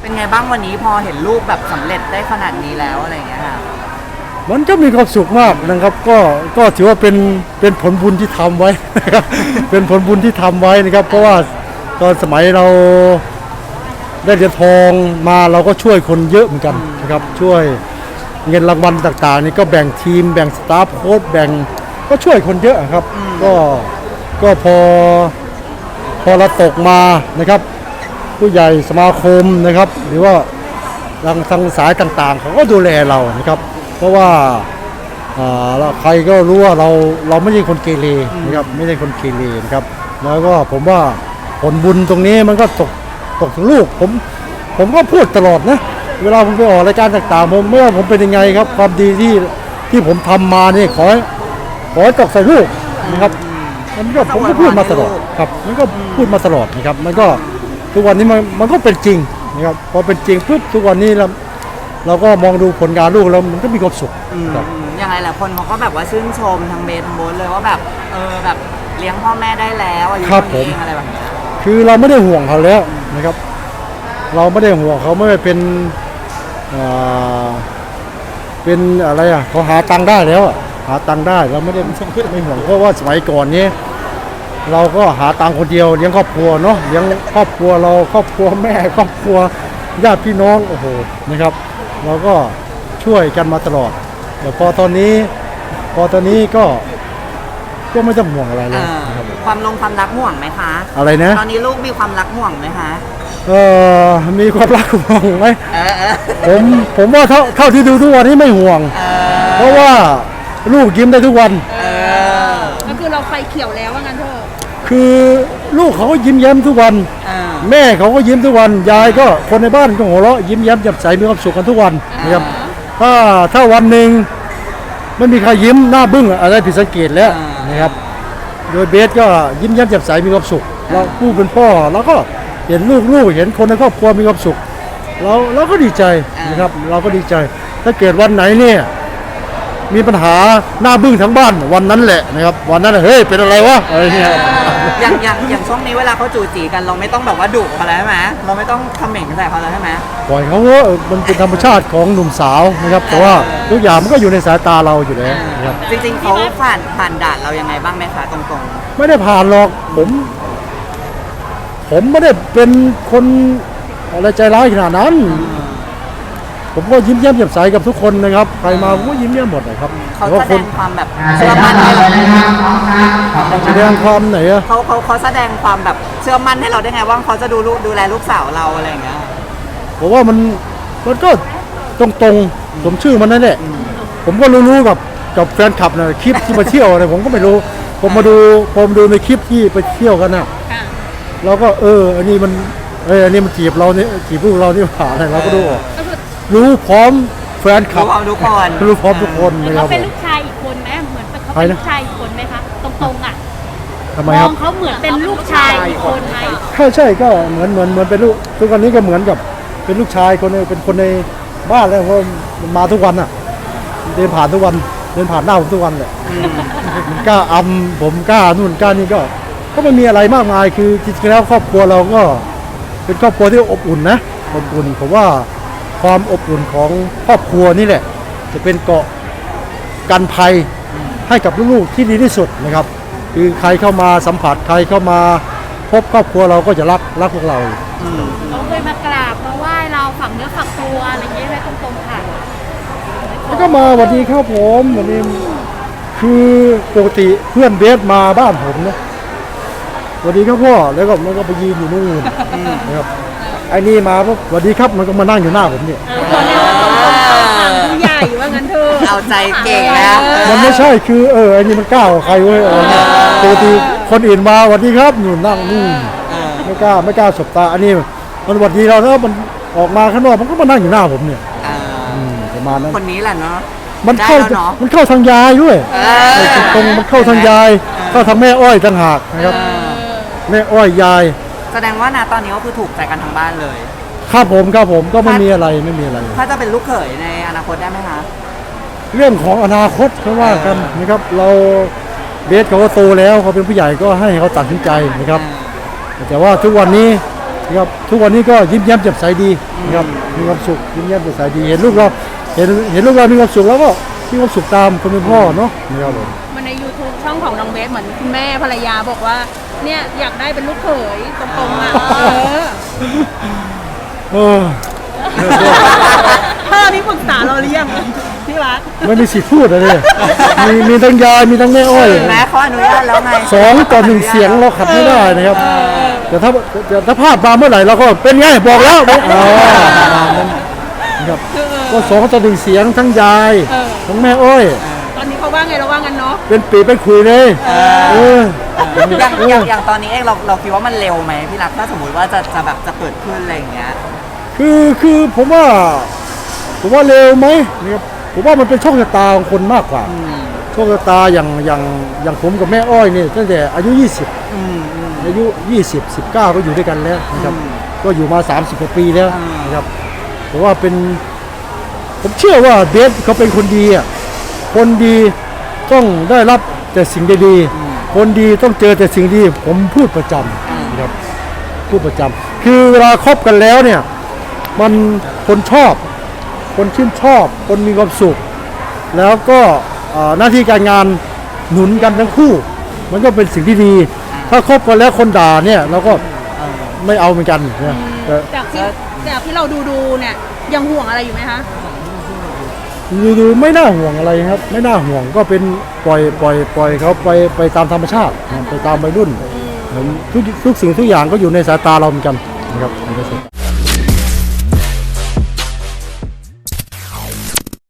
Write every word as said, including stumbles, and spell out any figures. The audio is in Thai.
เป็นไงบ้างวันนี้พอเห็นลูกแบบสำเร็จได้ขนาดนี้แล้วอะไรอย่างเงี้ยค่ะมันก็มีความสุขมากนะครับก็ก็ถือว่าเป็นเป็นผลบุญที่ทำไว้นะครับ เป็นผลบุญที่ทำไว้นะครับเพราะว่าตอนสมัยเราได้เหรียญทองมาเราก็ช่วยคนเยอะเหมือนกันนะครับช่วยเงินรางวัลต่างๆนี่ก็แบ่งทีมแบ่งสตาฟโค้ชแบ่งก็ช่วยคนเยอะครับก็ก็พอพอเราตกมานะครับผู้ใหญ่สมาคมนะครับหรือว่าทางทางสายต่างๆเขาก็ดูแลเรานะครับเพราะว่าใครก็รู้ว่าเราเราไม่ใช่คนเกเรนะครับไม่ใช่คนเกเรนะครับแล้วก็ผมว่าผลบุญตรงนี้มันก็ตกตกถึงลูกผมผมก็พูดตลอดนะเวลาผมไปออกรายการต่างๆผมไม่ว่าผมเป็นยังไงครับความดีที่ที่ผมทำมานี่ขอขอตกใส่ลูกนะครับมันก็ผมก็พูดมาตลอดครับมันก็พูดมาตลอดนะครับมันก็ทุกวันนี้มันมันก็เป็นจริงนะครับพอเป็นจริงปุ๊บทุกวันนี้เราเราก็มองดูผลงานลูกแล้วมันก็มีความสุขครับยังไงหลายคนเขาก็แบบว่าชื่นชมทางเบสทางโบ๊ทเลยว่าแบบเออแบบเลี้ยงพ่อแม่ได้แล้วอายุเท่านี้อะไรแบบนี้คือเราไม่ได้ห่วงเขาแล้วนะครับเราไม่ได้ห่วงเขาไม่ได้เป็นเป็นอะไรอ่ะเขาหาตังค์ได้แล้วหาตังค์ได้เราไม่ได้ไม่ห่วงเพราะว่าสมัยก่อนนี้เราก็หาตังค์คนเดียวเลี้ยงครอบครัวเนาะเลี้ยงครอบครัวเราครอบครัวแม่ครอบครัวญาติพี่น้องโอ้โหนะครับเราก็ช่วยกันมาตลอดแต่พอตอนนี้พอตอนนี้ก็ก็ไม่ต้องห่วงอะไรแล้วความลงความรักห่วงไหมคะอะไรนะตอนนี้ลูกมีความรักห่วงไหมคะเออมีความรักห่วงไหมผมผมว่าเท่าเท่าที่ดูทุกวันนี้ไม่ห่วงเพราะว่าลูกยิ้มได้ทุกวันก็คือเราไฟเขียวแล้วว่างั้นเถอะคือลูกเขาก็ยิ้มแย้มทุกวันแม่เขาก็ยิ้มทุกวันยายก็คนในบ้านก็หัวเราะยิ้มแย้มแจ่มใสมีความสุขกันทุกวันนะครับถ้าถ้าวันหนึ่งไม่มีใครยิ้มหน้าบึ้งอะไรผิดสังเกตแล้วนะครับโดยเบสก็ยิ้มแย้มแจ่มใสมีความสุขเราผู้เป็นพ่อเราก็เห็นลูกๆเห็นคนในครอบครัวมีความสุขเราเราก็ดีใจนะครับเราก็ดีใจถ้าเกิดวันไหนเนี่ยมีปัญหาหน้าบึ้งทั้งบ้านวันนั้นแหละนะครับวันนั้นเฮ้ยเป็นอะไรวะอะไรเงี้ยอย่างอย่างอย่างช่วงนี้เวลาเขาจู่จีกันเราไม่ต้องแบบว่าดุเขาแล้วใช่ไหมเราไม่ต้องคอมเมนต์ใส่เขาแล้วใช่ไหมปล่อยเขาว่ามันเป็นธรรมชาติของหนุ่มสาวนะครับแต่ว่าทุกอย่างมันก็อยู่ในสายตาเราอยู่แล้วนะครับจริงๆเขาผ่านผ่านด่านเรายังไงบ้างไหมคะตรงๆไม่ได้ผ่านหรอกผมผมไม่ได้เป็นคนอะไรใจร้ายขนาดนั้นผมก็ยิ้มแย้มแจ่มใสกับทุกคนนะครับใครมาผมก็ยิ้มแย้มหมดเลยครับเขาแสดงความแบบเชื่อมั่นให้เราแสดงความไหนอะเขาเขาเขาแสดงความแบบเชื่อมั่นให้เราได้ไงว่าเขาจะดูลูกดูแลลูกสาวเราอะไรอย่างเงี้ยผมว่ามันมันก็ตรงตรงสมชื่อมันนั่นแหละผมก็รู้ๆกับกับแฟนคลับนะคลิปที่มาเที่ยวอะไรผมก็ไม่รู้ผมมาดูผมดูในคลิปที่ไปเที่ยวกันน่ะเราก็เอออันนี้มันเอออันนี้มันจีบเราเนี่ยจีบพวกเราที่ผ่านอะไรเราก็ดูรู้พร้อมแฟนคลับรู้พร้อมทุกคนรู้พร้อมทุกคนเขาเป็นลูกชายอีกคนไหมเหมือนเขาเป็นลูกชายอีกคนไหมคะตรงๆอ่ะทำไมครับมองเขาเหมือนเป็นลูกชายอีกคนไหมใช่ใช่ก็เหมือนเหมือนเหมือนเป็นลูกทุกวันนี้ก็เหมือนกับเป็นลูกชายคนนึงเป็นคนในบ้านแล้วเพราะมันมาทุกวันอ่ะเดินผ่านทุกวันเดินผ่านหน้าผมทุกวันเลยกล้าอำผมกล้านู่นกล้านี่ก็ก็ไม่มีอะไรมากมายคือจริงๆแล้วครอบครัวเราก็เป็นครอบครัวที่อบอุ่นนะอบอุ่นผมว่าความอบอุ่นของครอบครัวนี่แหละจะเป็นเกราะกันภัยให้กับลูกๆที่ดีที่สุดนะครับคือใครเข้ามาสัมผัสใครเข้ามาพบครอบครัวเราก็จะรักรักพวกเราเขาเคยมากราบมาไหว้เราฝังเนื้อฝังตัวอะไรอย่างเงี้ยไหมตรงๆค่ะแล้วก็มาสวัสดีครับผมวันนี้คือปกติเพื่อนเบสมาบ้านผมนะสวัสดีครับพ่อแล้วก็มันก็ไปยืนอยู่นู่นนะครับไอ้นี่มาปุ๊บสวัสดีครับมันก็มานั่งอยู่หน้าผมเนี่ยผู้ใหญ่ว่างั้นเธอเอาใจเก่งแล้วมันไม่ใช่คือเออไอ้นี่มันกล้าใครเว้ยอะไรเงี้ยปกติคนอื่นมาสวัสดีครับอยู่นั่งนู่นไม่กล้าไม่กล้าสบตาอันนี้มันสวัสดีเราแล้วมันออกมาข้างนอกมันก็มานั่งอยู่หน้าผมเนี่ยประมาณนั้นคนนี้แหละเนาะมันเข้ามันเข้าทางยายด้วยตรงมันเข้าทางยายเข้าทางแม่อ้อยต่างหากนะครับแม่อ้อยยายแสดงว่านะตอนนี้ก็คือถูกใจกันทั้งบ้านเลยครับผมครับผมก็ไม่มีอะไรไม่มีอะไรถ้าจะเป็นลูกเขยในอนาคตได้ไหมคะเรื่องของอนาคตเขาว่ากันนะครับเราเบสเขาก็โตแล้วเขาเป็นผู้ใหญ่ก็ให้เขาตัดสินใจนะครับแต่ว่าทุกวันนี้นะครับทุกวันนี้ก็ยิ้มแย้มแจ่มใสดีนะครับมีความสุขยิ้มแย้มแจ่มใสดีเห็นลูกเราเห็นเห็นลูกเรามีความสุขแล้วก็มีความสุขตามคนเป็นพ่อเนาะนะครับผมมันใน YouTube ช่องของน้องเบสเหมือนคุณแม่ภรรยาบอกว่าเนี่ยอยากได้เป็นลูกเขยตรงๆอ่ะเออเออพ่อนี่ปรึกษาเราหรือยังที่รักไม่มีสิทธิ์พูดอะไรเลยมีมีทั้งยายมีทั้งแม่อ้อยแม่เขาอนุญาตแล้วไงสองต่อหนึ่งเสียงเราขัดไม่ได้นะครับแต่ถ้าแต่ถ้าพลาดมาเมื่อไหร่เราก็เป็นไงบอกแล้วไม่เอานะครับก็สองต่อหนึ่งเสียงทั้งยายทั้งแม่อ้อยตอนนี้เขาว่าไงเราว่างั้นเนาะเป็นปีเป็นคุยเลยเอออย่างอย่างอย่างตอนนี้เองเราเราคิดว่ามันเร็วไหมพี่รักถ้าสมมติว่าจะจะแบบจะเกิดขึ้นอะไรอย่างเงี้ยคือคือผมว่าผมว่าเร็วไหมนะครับผมว่ามันเป็นโชคชะตาของคนมากกว่าโชคชะตาอย่างอย่างอย่างผมกับแม่อ้อยนี่ตั้งแต่อายุยี่สิบอายุยี่สิบ สิบเก้าก็อยู่ด้วยกันแล้วนะครับก็อยู่มาสามสิบกว่าปีแล้วนะครับผมว่าเป็นผมเชื่อว่าเบสเขาเป็นคนดีอ่ะคนดีต้องได้รับแต่สิ่งดีๆคนดีต้องเจอแต่สิ่งดีผมพูดประจำนะครับพูดประจำคือเวลาคบกันแล้วเนี่ยมันคนชอบคนชื่นชอบคนมีความสุขแล้วก็อ่าหน้าที่การงานหนุนกันทั้งคู่ มันก็เป็นสิ่งที่ดี ถ้าคบกันแล้วคนด่าเนี่ยเราก็ไม่เอาเหมือนกันนะแต่จากที่จากที่เราดูดูๆเนี่ยยังห่วงอะไรอยู่ไหมคะดูๆไม่น่าห่วงอะไรครับ ไม่น่าห่วงก็เป็นปล่อยปล่อยปล่อยเขาไปไปตามธรรมชาตินะไปตามวัยรุ่นทุกทุกสิ่งทุกอย่างก็อยู่ในสายตาเราเหมือนกันนะครับ